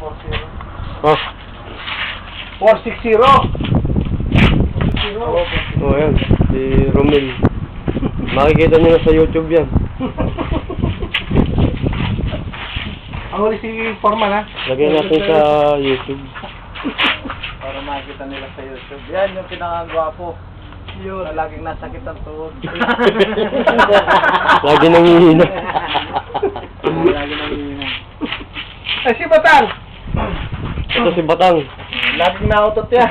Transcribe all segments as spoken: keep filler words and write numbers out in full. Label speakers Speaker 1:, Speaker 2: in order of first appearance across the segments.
Speaker 1: Oh.
Speaker 2: four six zero.
Speaker 1: Oh, yan. Si Romel. Makikita nyo na sa YouTube yan.
Speaker 2: Ang huli si Foreman, ha?
Speaker 1: Lagyan natin sa YouTube.
Speaker 3: Para makikita nila sa YouTube. Yan yung pinakagwapo. Yun. Na laging nasakit ang tuhod.
Speaker 1: Lagi nangihina.
Speaker 3: Lagi nangihina.
Speaker 2: Ay, si Batang!
Speaker 1: Ito si Batang.
Speaker 3: Laging nautot yan.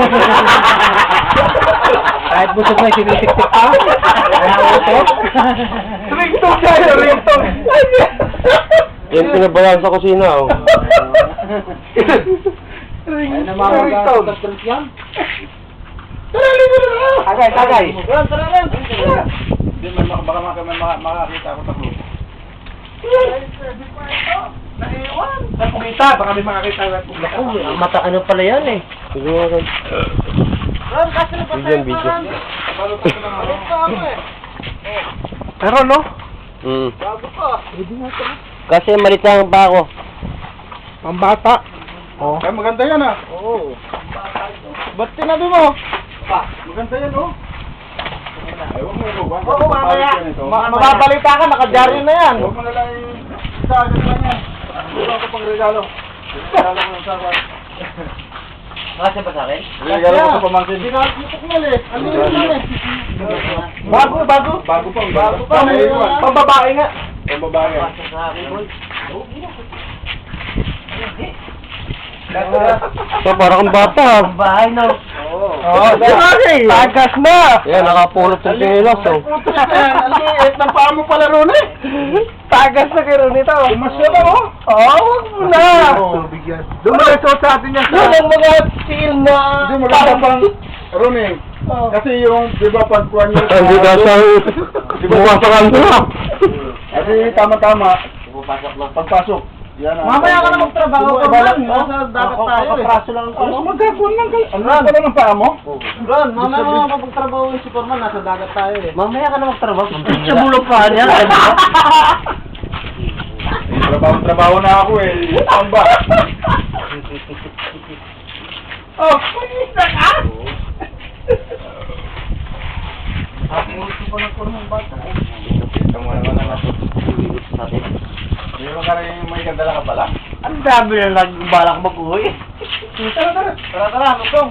Speaker 2: Kahit busog na sinisiktik pa. Nautot. Ringtone tayo, ringtone.
Speaker 1: Yan pinabayan sa kusina, oh.
Speaker 3: Ay, namamaga sa trip yan.
Speaker 2: Tagay, tagay.
Speaker 3: Tara, tara, tara. Hindi, may baka baka may makakita ako sa club.
Speaker 2: Naiwan. Sa kumita, baka may makakita na.
Speaker 3: Naku, mata ano pala yan eh.
Speaker 1: Sige mga kan.
Speaker 3: Ron, kasi na
Speaker 1: Video, video.
Speaker 2: Pero no?
Speaker 1: Hmm.
Speaker 3: Bago pa.
Speaker 1: Kasi malit lang pa ako.
Speaker 2: Pambata. Oh.
Speaker 3: Ay, maganda yan ah. Oo. Ba't tinabi mo? Pa, maganda yan oh. Ay, huwag mo ito. Oo, mamaya. Mababalita ka, nakadyaryo na yan. Huwag mo na lang isa agad lang yan. Huwag ako pang regalo. Regalo ko ng sabat. Makasya ba sa akin? Regalo ko sa pamangkin. Dinakipok mo eh. Ano yun yan eh? Bago, bago. Bago pa. Bago pa. Pambabae nga. Pambabae nga. Makasya sa akin, boy.
Speaker 1: So, parang kang bata.
Speaker 3: Bahay na. Oo.
Speaker 2: Oh, tagas na.
Speaker 1: Yan, nakapulot ng tingilos, oh.
Speaker 2: Ang liit ng paa mo pala ron eh. Tagas na kayo nito. Umasya ba oh? Oo, wag mo na. Dumareso sa atin yan. Yun ang mga seal na...
Speaker 3: Hindi, maganda pang Roning. Kasi yung, di ba, pagkuhan nyo...
Speaker 1: Hindi ka sa... Bumasakan na.
Speaker 3: Kasi tama-tama. Pagpasok lang. Pagpasok. Yan ang...
Speaker 2: Mamaya ka na magtrabaho ka
Speaker 3: Iba-
Speaker 2: man. Nasa dagat tayo eh.
Speaker 3: Kapraso lang. Ano, magkakon lang kayo. Ano pala ng paa mo?
Speaker 2: Ron, mamaya ka na magtrabaho yung si Forman. Nasa dagat tayo eh.
Speaker 3: Mamaya ka na magtrabaho.
Speaker 2: Sa bulok pa niya.
Speaker 3: Trabaho-trabaho na ako eh. Ang ba?
Speaker 2: Oh, pulis na ka?
Speaker 3: Ako gusto ko ng kurmong bata. Kita mo naman ang natin. Hindi mo ka rin may gandala ka pala?
Speaker 2: Ang dami na nagbalak mag-uwi.
Speaker 3: Tara, tara. Tara, tara. Nutong.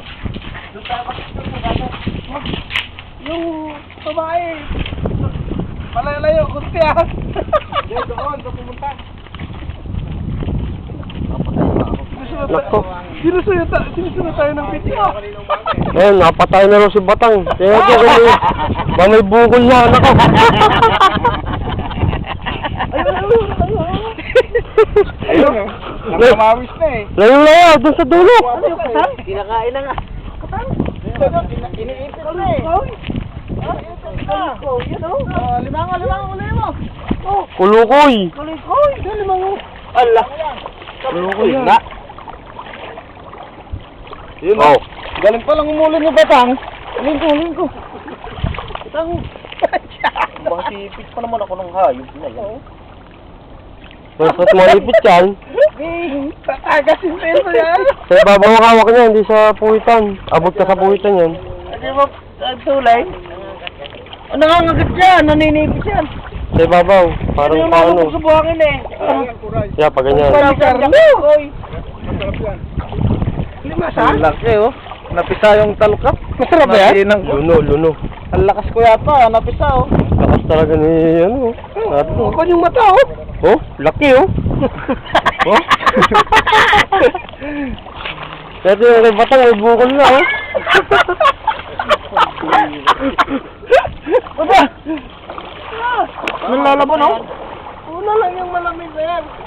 Speaker 2: Yung babae. Malalayo, kuntiyan.
Speaker 3: Hindi, doon. Doon pumunta.
Speaker 1: Nako.
Speaker 2: Sinusunod tayo, sinusunod tayo ng video.
Speaker 1: Ayun, napatay na rin si Batang. Kaya ko kung may, ba may bukol na, nako.
Speaker 3: Ayun eh. Nakamawis na eh.
Speaker 1: Layo-layo, dun sa dulo.
Speaker 2: Kinakain na nga. Iniipit ko na eh. Limango, limango, limango.
Speaker 1: Kulukoy.
Speaker 2: Kulikoy, limango. Ala.
Speaker 1: Kulukoy na.
Speaker 3: Yun
Speaker 1: Oh.
Speaker 3: Galing pa lang umulin yung batang.
Speaker 2: Lingko, lingko. Itang.
Speaker 3: Masipit pa naman ako ng hayop na yun.
Speaker 1: Basta't malipit yan.
Speaker 2: Tatagas yung peso yan.
Speaker 1: Sa ibabaw ang hawak niya, hindi sa puwitan. Abot ka sa puwitan yan.
Speaker 2: Hindi mo, ang tulay. Ano nga ngagat yan? Naninipit yan.
Speaker 1: Sa ibabaw, parang
Speaker 2: Ano
Speaker 1: paano.
Speaker 2: yung mga buhangin eh.
Speaker 1: Yeah, pa ganyan.
Speaker 2: Palitan mo. Lima sa?
Speaker 3: Laki oh. Napisa yung talukap.
Speaker 2: Masarap ba yan?
Speaker 1: Luno, luno.
Speaker 3: Ang lakas ko yata, napisa oh.
Speaker 1: Lakas talaga ni, ano, ano.
Speaker 2: Ako yung mata oh.
Speaker 1: Oh, laki oh. Oh. Kasi yung kay Batang, may bukol na oh.
Speaker 2: Aba! Nalalaban oh. Una lang yung malamig na yan.